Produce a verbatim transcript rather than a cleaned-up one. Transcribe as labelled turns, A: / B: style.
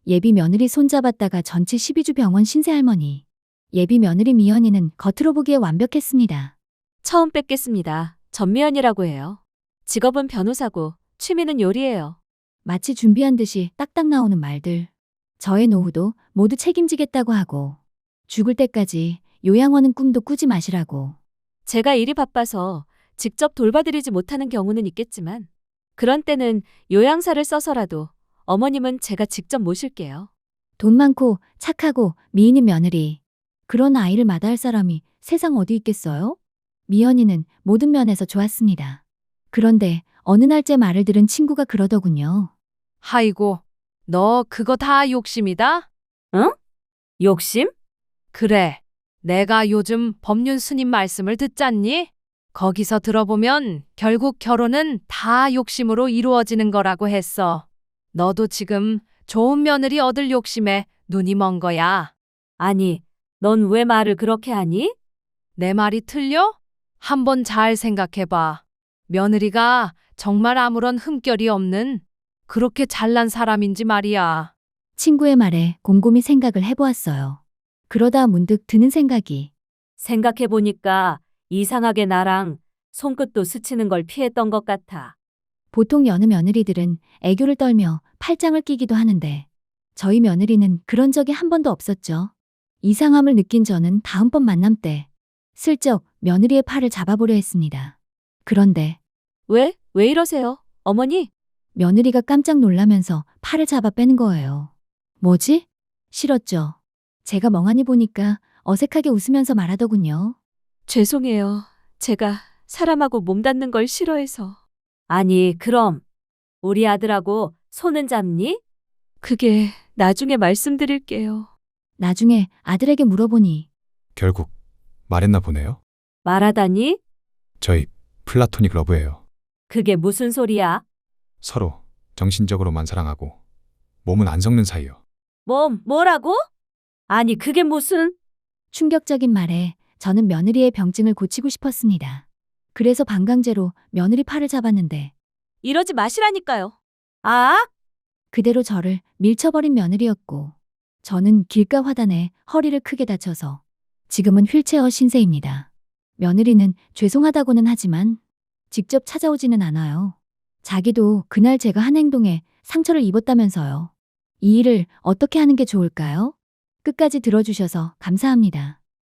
A: 예비 며느리 손잡았다가 전치 십이 주 병원 신세할머니. 예비 며느리 미연이는 겉으로 보기에 완벽했습니다.
B: 처음 뵙겠습니다. 전미연이라고 해요. 직업은 변호사고 취미는 요리예요.
A: 마치 준비한 듯이 딱딱 나오는 말들. 저의 노후도 모두 책임지겠다고 하고 죽을 때까지 요양원은 꿈도 꾸지 마시라고.
B: 제가 일이 바빠서 직접 돌봐드리지 못하는 경우는 있겠지만 그런 때는 요양사를 써서라도 어머님은 제가 직접 모실게요.
A: 돈 많고 착하고 미인인 며느리. 그런 아이를 마다할 사람이 세상 어디 있겠어요? 미연이는 모든 면에서 좋았습니다. 그런데 어느 날 제 말을 들은 친구가 그러더군요.
C: 아이고, 너 그거 다 욕심이다?
B: 응? 욕심?
C: 그래. 내가 요즘 법륜 스님 말씀을 듣잖니? 거기서 들어보면 결국 결혼은 다 욕심으로 이루어지는 거라고 했어. 너도 지금 좋은 며느리 얻을 욕심에 눈이 먼 거야.
B: 아니, 넌 왜 말을 그렇게 하니?
C: 내 말이 틀려? 한번 잘 생각해봐. 며느리가 정말 아무런 흠결이 없는 그렇게 잘난 사람인지 말이야.
A: 친구의 말에 곰곰이 생각을 해보았어요. 그러다 문득 드는 생각이.
B: 생각해보니까 이상하게 나랑 손끝도 스치는 걸 피했던 것 같아.
A: 보통 여느 며느리들은 애교를 떨며 팔짱을 끼기도 하는데 저희 며느리는 그런 적이 한 번도 없었죠. 이상함을 느낀 저는 다음번 만남 때 슬쩍 며느리의 팔을 잡아보려 했습니다. 그런데
B: 왜? 왜 이러세요? 어머니?
A: 며느리가 깜짝 놀라면서 팔을 잡아 빼는 거예요. 뭐지? 싫었죠. 제가 멍하니 보니까 어색하게 웃으면서 말하더군요.
B: 죄송해요. 제가 사람하고 몸 닿는 걸 싫어해서. 아니, 그럼 우리 아들하고 손은 잡니? 그게 나중에 말씀드릴게요.
A: 나중에 아들에게 물어보니
D: 결국 말했나 보네요.
B: 말하다니?
D: 저희 플라토닉 러브예요.
B: 그게 무슨 소리야?
D: 서로 정신적으로만 사랑하고 몸은 안 섞는 사이요.
B: 뭐, 뭐라고? 아니, 그게 무슨...
A: 충격적인 말에 저는 며느리의 병증을 고치고 싶었습니다. 그래서 반강제로 며느리 팔을 잡았는데
B: 이러지 마시라니까요. 아?
A: 그대로 저를 밀쳐버린 며느리였고 저는 길가 화단에 허리를 크게 다쳐서 지금은 휠체어 신세입니다. 며느리는 죄송하다고는 하지만 직접 찾아오지는 않아요. 자기도 그날 제가 한 행동에 상처를 입었다면서요. 이 일을 어떻게 하는 게 좋을까요? 끝까지 들어주셔서 감사합니다.